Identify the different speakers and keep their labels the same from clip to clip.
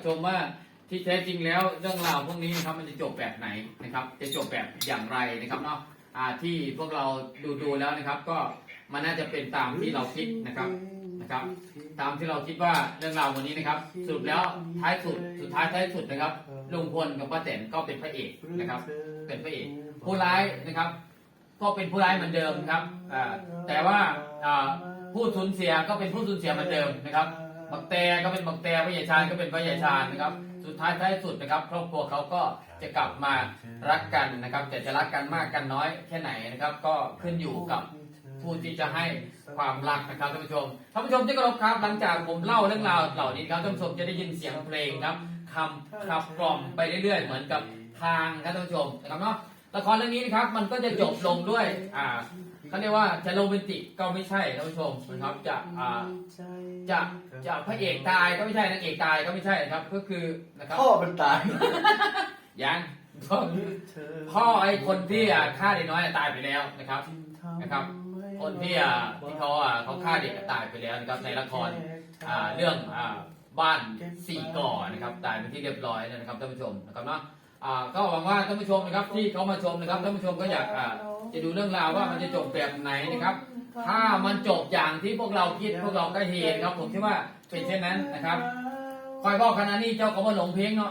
Speaker 1: ชมว่าที่แท้จริงแล้วเรื่องราวพวกนี้นะครับมันจะจบแบบไหนนะครับจะจบแบบอย่างไรนะครับเนาะที่พวกเราดูแล้วนะครับก็มันน่าจะเป็นตามที่เราคิดนะครับตามที่เราคิดว่าเรื่องราววันนี้นะครับสรุปแล้วท้ายสุดนะครับลุงพลกับป้าแตนก็เป็นพระเอกนะครับเป็นพระเอกผู้ร้ายนะครับก็เป็นผู้ร้ายเหมือนเดิมครับแต่ว่าผู้สูญเสียก็เป็นผู้สูญเสียเหมือนเดิมนะครับบักแต่ก็เป็นบักแต่พระยาชาญก็เป็นพระยาชาญนะครับสุดท้ายสุดนะครับครอบครัวเขาก็จะกลับมารักกันนะครับแต่จะรักกันมากกันน้อยแค่ไหนนะครับก็ขึ้นอยู่กับผู้ที่จะให้ความรักนะครับท่านผู้ชมที่เคารพครับหลังจากผมเล่าเรื่องราวเหล่านี้ครับท่านผู้ชมจะได้ยินเสียงเพลงครับคำขับกล่อมไปเรื่อยๆเหมือนกับทางครับท่านผู้ชมนะครับเนาะละครเรื่องนี้นะครับมันก็จะจบลงด้วยเขาเรียกว่าจะโรแมนติกก็ไม่ใช่ท่านผู้ชมนะครับจะพระเอกตายก็ไม่ใช่นางเอกตายก็ไม่ใช่ครับก็คือนะครับ
Speaker 2: พ่อมันตาย
Speaker 1: ยังพ่อไอ้คนที่ฆ่าเด็กน้อยตายไปแล้วนะครับคนที่เขาฆ่าเด็กตายไปแล้วนะครับในละครเรื่องบ้านสี่ก่อนะครับตายเป็นที่เรียบร้อยแล้วนะครับท่านผู้ชมนะครับเนาะก็หวังว่าท่านผู้ชมนะครับที่เขามาชมนะครับท่านผู้ชมก็อยากจะดูเรื่องราวว่ามันจะจบแบบไหนนะครับถ้ามันจบอย่างที่พวกเราคิดพวกเราก็เห็นครับผมคิดว่าเป็นเช่นนั้นนะครับคอยบอกขนาดนี้เจ้าก็มาหลงเพลงเนาะ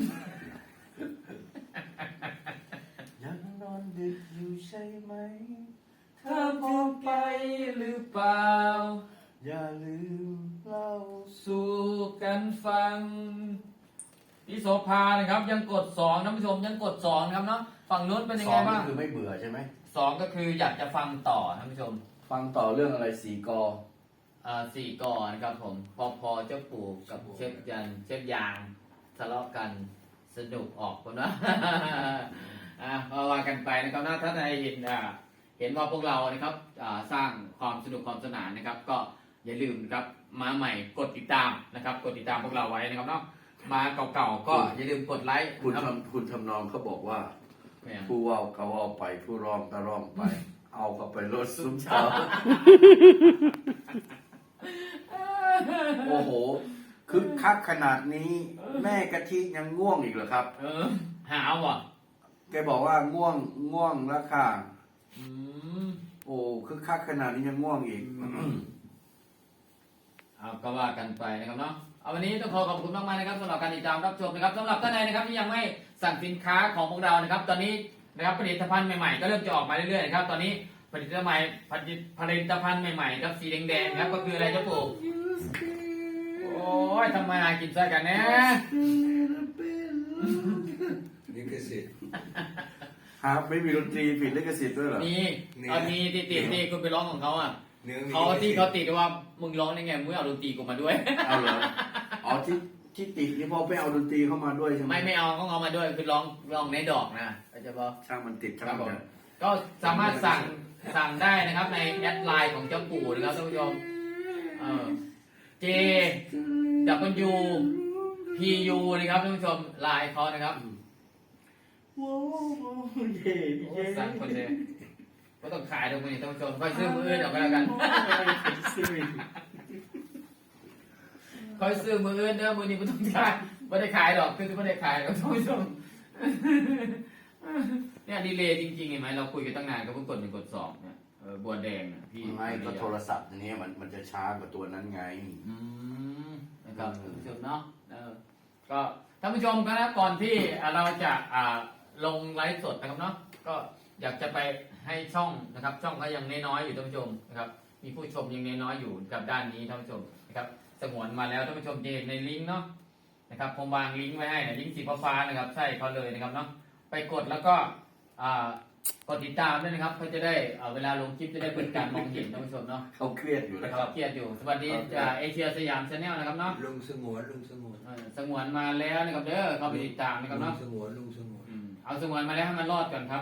Speaker 2: ยังนอนดึกอยู่ใช่ไหม
Speaker 1: เธอพูดไปหรือเปล่า
Speaker 2: อย่าลืมเล่า
Speaker 1: สู่กันฟังพี่โสภานะครับยังกด2ท่านผู้ชมยังกด2นะครับเนาะฝั่งนู้นเป็นยังไงบ้าง
Speaker 2: คือไม่เบื่อใช่ไหม
Speaker 1: 2ก็คืออยากจะฟังต่อท่านผู้ชม
Speaker 2: ฟังต่อเรื่องอะไรสี่ก
Speaker 1: สี่กอนะครับผมพอเจ้าปู่กับเชฟยางทะเลาะกันสนุกออกคนว่าว่ากันไปนะครับถ้าใครเห็นว่าพวกเรานะครับสร้างความสนุกความสนานนะครับก็อย่าลืมครับมาใหม่กดติดตามนะครับกดติดตามพวกเราไว้นะครับเนาะมาเก่าๆก็อย่าลืมกดไลค์
Speaker 2: คุณทำนองเขาบอกว่าผู้ว่าเขาเอาไปผู้ร้องก็ร้องไปเอาเข้าไปรถซุ้มเช้าโอ้โหคึกคักขนาดนี้แม่กะทิยังง่วงอีกเหรอครับ
Speaker 1: หาวอ่ะ
Speaker 2: แกบอกว่าง่วงแล้วค่ะโอ้คึกคักขนาดนี้ยังง่วงอีก
Speaker 1: ก็ว่ากันไปนะครับเนาะวันนี้ต้องขอคุณมากๆนะครับสำหรับการติดตามรับชมนะครับสำหรับท่านใดนะครับที่ยังไม่สั่งสินค้าของพวกเรานะครับตอนนี้นะครับผลิตภัณฑ์ใหม่ๆก็เริ่มจะออกมาเรื่อยๆนะครับตอนนี้ผลิตภัณฑ์ใหม่ๆครับสีแดงๆครับก็คืออะไรเจ้าปู่โอ้ยทำไมกินซะกันเนี่ย
Speaker 2: ลิขสิทธิ์ครับไม่มีดนตรีผิดลิขสิทธิ์ด้วยเหรอ
Speaker 1: มีติดนี่คุณไปร้องของเขาอ่ะเขาติดว่ามึงร้องได้ไงมึงเอาดนตรีกูมาด้วย
Speaker 2: เอาเหรออ๋อที่ติดนี่พอไปเอาดนตรีเข้ามาด้วยใช่ไหม
Speaker 1: ไม่เอาเขาเอามาด้วยคือร้องในดอกนะเข้าใจป่ะ
Speaker 2: ช่างมันติดช่างมัน
Speaker 1: ก็สามารถสั่งได้นะครับในแอดไลน์ของเจ้าปู่นะครับท่านผู้ชมJ W P U นะครับท่านผู้ชมไลน์เขานะครับสั่งคนเดียวก็ต้องขายตรงนี้ท่านผู้ชมค่อยซื้อมืออื่นออกไปแล้วกันค่อยซื้อมืออื่นเด้อมือนี้ไม่ต้องขายไม่ได้ขายหรอกคือไม่ได้ขายหรอกท่านผู้ชมเนี่ยดีเลย์จริงๆเห็นไหมเราคุยกันตั้งนานก็เพิ่งกด1 กด 2เนี่ยบัวแดงนะพี่
Speaker 2: ไม่ก็โทรศัพท์อันนี้มันจะช้ากว่าตัวนั้นไง
Speaker 1: นะครับท่านผู้ชมเนาะก็ท่านผู้ชมครับก่อนที่เราจะลงไลฟ์สดนะครับเนาะก็อยากจะไปให้ช่องนะครับช่องก็ยังน้อยๆอยู่ท่านผู้ชมนะครับมีผู้ชมยังน้อยๆอยู่กับด้านนี้ท่านผู้ชมนะครับสงวนมาแล้วท่านผู้ชมจะเห็นในลิงก์เนาะนะครับผมวางลิงก์ไว้ให้นะลิงก์สีฟ้าๆนะครับใช่เขาเลยนะครับเนาะไปกดแล้วก็กดติดตามด้วยนะครับเพื่อจะได้เวลาลงคลิปจะได้เป็นการมองเห็นท่านผู้ชมเนาะ
Speaker 2: เขาเครียดอยู่
Speaker 1: นะครับเครียดอยู่สวัสดีเอเชียสยามชาแนลนะครับเนาะ
Speaker 3: ลุงสงวน
Speaker 1: สงวนมาแล้วนะครับเด้อเข้าไปติดตามนะครับเนาะ
Speaker 3: ลุงสงวน
Speaker 1: เอาสงวนมาแล้วให้มันรอดก่อนครับ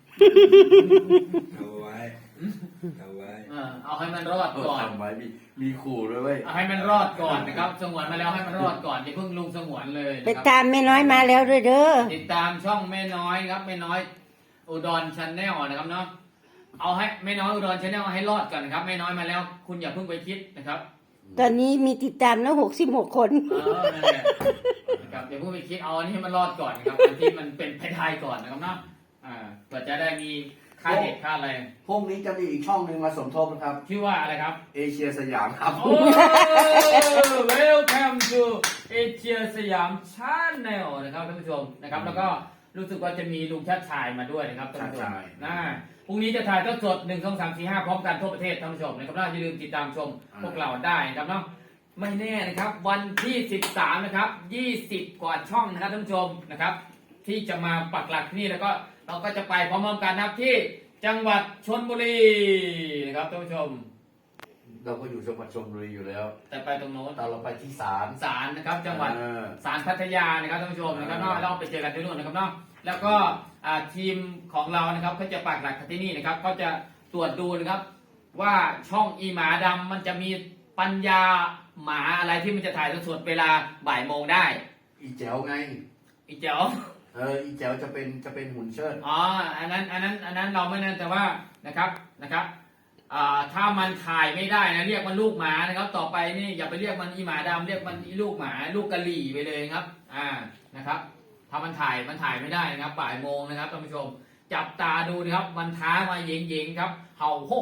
Speaker 3: เอาไว้
Speaker 1: เอาให้มันรอดก่อน
Speaker 2: ทำไว้มีขู่ด้วยเว้ย
Speaker 1: เอาให้มันรอดก่อนนะครับสงวนมาแล้วให้มันรอดก่อนอย่าเพิ่งลุงสงวนเลย
Speaker 4: ไปตามแม่น้อยมาแล้วด้วยเด้อ
Speaker 1: ติดตามช่องแม่น้อยครับแม่น้อยอุดรชาแนลนะครับเนาะเอาให้แม่น้อยอุดรชาแนลให้รอดก่อนนะครับแม่น้อยมาแล้วคุณอย่าเพิ่งไปคิดนะครับ
Speaker 4: ตอนนี้มีติดตามแล้ว66 คน
Speaker 1: นั่นแหละนะครับอย่าเพิ่งไปคิดเอาอันนี้ให้มันรอดก่อนนะครับอันที่มันเป็นไปได้ก่อนนะครับเนาะเพื่อจะได้มีค่าเด็กค่าอะไร
Speaker 2: พรุ่งนี้จะมีอีกช่องหนึ่งมาสมทบนะครับ
Speaker 1: ชื่อว่าอะไรครับ
Speaker 2: เอเชียสยามครับ
Speaker 1: โอ้ Welcome to Asia สยาม Channel นะครับท่านผู้ชมนะครับแล้วก็รู้สึกว่าจะมีลุงชาติชายมาด้วยนะครับท่านผู้ชมพรุ่งนี้จะถ่ายทอดสด1 2 3 4 5พร้อมกันทั่วประเทศท่านผู้ชมนะครับอย่าลืมติดตามชมพวกเราได้นะครับเนาะไม่แน่นะครับวันที่13นะครับ20กว่าช่องนะครับท่านผู้ชมนะครับที่จะมาปักหลักที่นี่แล้วก็เราก็จะไปพร้อมๆกันนะครับที่จังหวัดชลบุรีนะครับท่านผู้ชม
Speaker 2: เราก็อยู่จังหวัดชลบุรีอยู่แล้ว
Speaker 1: แต่ไปตรงโน้น
Speaker 2: แต่เราไปที่ศาล
Speaker 1: ศาลนะครับจังหวัดศาลพัทยานะครับท่านผู้ชมนะครับเนาะเราไปเจอกันที่นู่นนะครับเนาะแล้วก็ทีมของเรานะครับเขาจะปักหลักที่นี่นะครับเขาจะตรวจดูนะครับว่าช่องอีหมาดำมันจะมีปัญญาหมาอะไรที่มันจะถ่ายสดๆเวลาบ่ายโมงได้
Speaker 2: อีแจ๋วไง
Speaker 1: อีเจ๋ว
Speaker 2: อีแจ๋วจะเป็นหุ่นเชิด
Speaker 1: อ๋ออันนั้นเราไม่นั่นแต่ว่านะครับถ้ามันถ่ายไม่ได้นะเรียกมันลูกหมานะครับต่อไปนี่อย่าไปเรียกมันอีหมาดำเรียกมันอีลูกหมาลูกกะหรี่ไปเลยครับนะครับถ้ามันถ่ายไม่ได้นะครับบ่ายโมงนะครับท่านผู้ชมจับตาดูนะครับมันท้ามาเย็งๆครับเห่าโฮ